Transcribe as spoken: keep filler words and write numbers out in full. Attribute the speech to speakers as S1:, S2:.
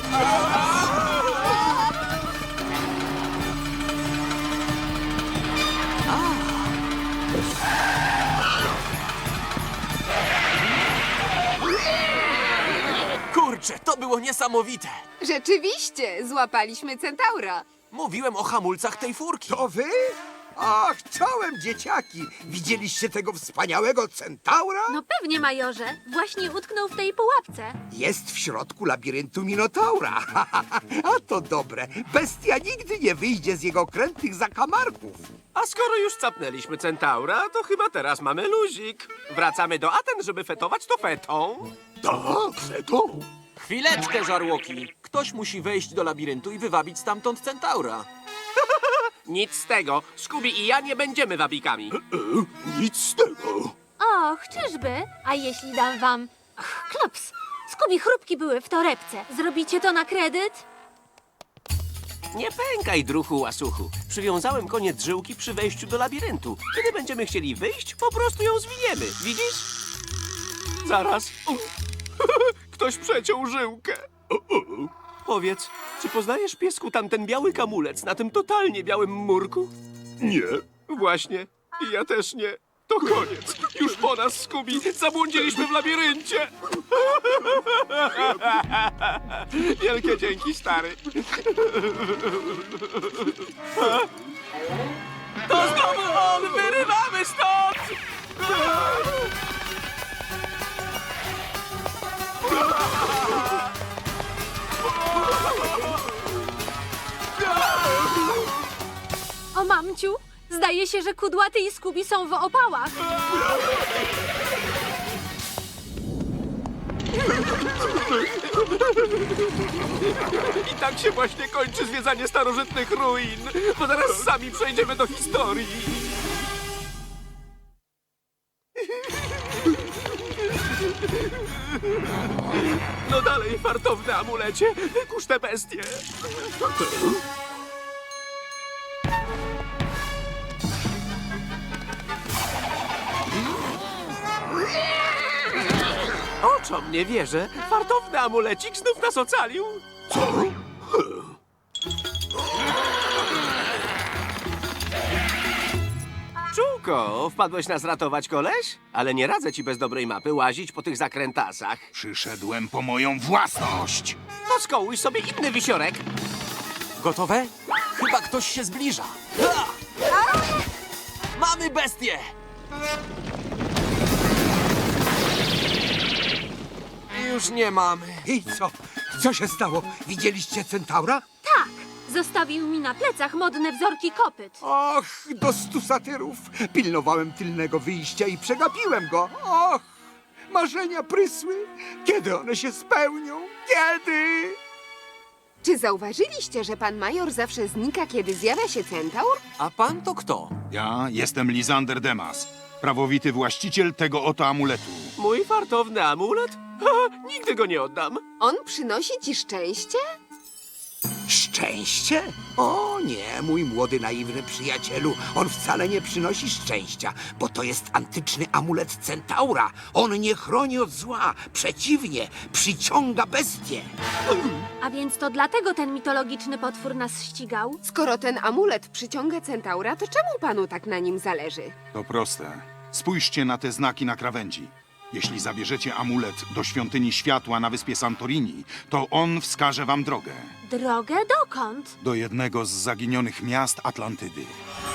S1: Kurczę, to było niesamowite.
S2: Rzeczywiście, złapaliśmy centaura.
S1: Mówiłem o hamulcach tej furki.
S3: To wy? Ach, czołem, dzieciaki! Widzieliście tego wspaniałego centaura?
S4: No pewnie, majorze. Właśnie utknął w tej pułapce.
S3: Jest w środku labiryntu Minotaura. A to dobre. Bestia nigdy nie wyjdzie z jego krętych zakamarków.
S5: A skoro już capnęliśmy centaura, to chyba teraz mamy luzik. Wracamy do Aten, żeby fetować to fetą.
S3: Tak, Feto.
S1: Chwileczkę, żarłoki. Ktoś musi wejść do labiryntu i wywabić stamtąd centaura.
S5: Nic z tego. Scooby i ja nie będziemy wabikami.
S3: Nic z tego.
S4: Och, czyżby? A jeśli dam wam... Ach, klops! Skubi chrupki były w torebce. Zrobicie to na kredyt?
S5: Nie pękaj, druhu łasuchu. Przywiązałem koniec żyłki przy wejściu do labiryntu. Kiedy będziemy chcieli wyjść, po prostu ją zwiniemy. Widzisz? Zaraz. Ktoś przeciął żyłkę. Powiedz, czy poznajesz, piesku, tamten biały kamulec na tym totalnie białym murku?
S3: Nie.
S5: Właśnie. I ja też nie. To koniec. Już po nas, Scooby. Zabłądziliśmy w labiryncie. Wielkie dzięki, stary. To znowu on! Wyrywamy stąd!
S4: O mamciu, zdaje się, że Kudłaty i Skubi są w opałach.
S5: I tak się właśnie kończy zwiedzanie starożytnych ruin, bo zaraz sami przejdziemy do historii. No dalej, fartowny amulecie, wykusz tę bestię. Oczom nie wierzę. Fartowny amulecik znów nas ocalił.
S3: Co?
S5: Czułko, wpadłeś nas ratować, koleś? Ale nie radzę ci bez dobrej mapy łazić po tych zakrętasach.
S6: Przyszedłem po moją własność.
S5: To skołuj sobie inny wisiorek.
S1: Gotowe? Chyba ktoś się zbliża. Ha! Mamy bestię! Już nie mamy.
S3: I co? Co się stało? Widzieliście centaura?
S4: Tak, zostawił mi na plecach modne wzorki kopyt.
S3: Och, do stu satyrów. Pilnowałem tylnego wyjścia i przegapiłem go. Och, marzenia prysły. Kiedy one się spełnią? Kiedy?
S2: Czy zauważyliście, że pan major zawsze znika, kiedy zjawia się centaur?
S1: A pan to kto?
S6: Ja jestem Lizander Demas, prawowity właściciel tego oto amuletu.
S5: Mój fartowny amulet? Ha, nigdy go nie oddam.
S2: On przynosi ci szczęście?
S3: Szczęście? O nie, mój młody, naiwny przyjacielu. On wcale nie przynosi szczęścia, bo to jest antyczny amulet centaura. On nie chroni od zła. Przeciwnie, przyciąga bestie.
S4: A więc to dlatego ten mitologiczny potwór nas ścigał?
S2: Skoro ten amulet przyciąga centaura, to czemu panu tak na nim zależy?
S6: To proste. Spójrzcie na te znaki na krawędzi. Jeśli zabierzecie amulet do świątyni światła na wyspie Santorini, to on wskaże wam drogę
S4: Drogę dokąd?
S6: do jednego z zaginionych miast Atlantydy.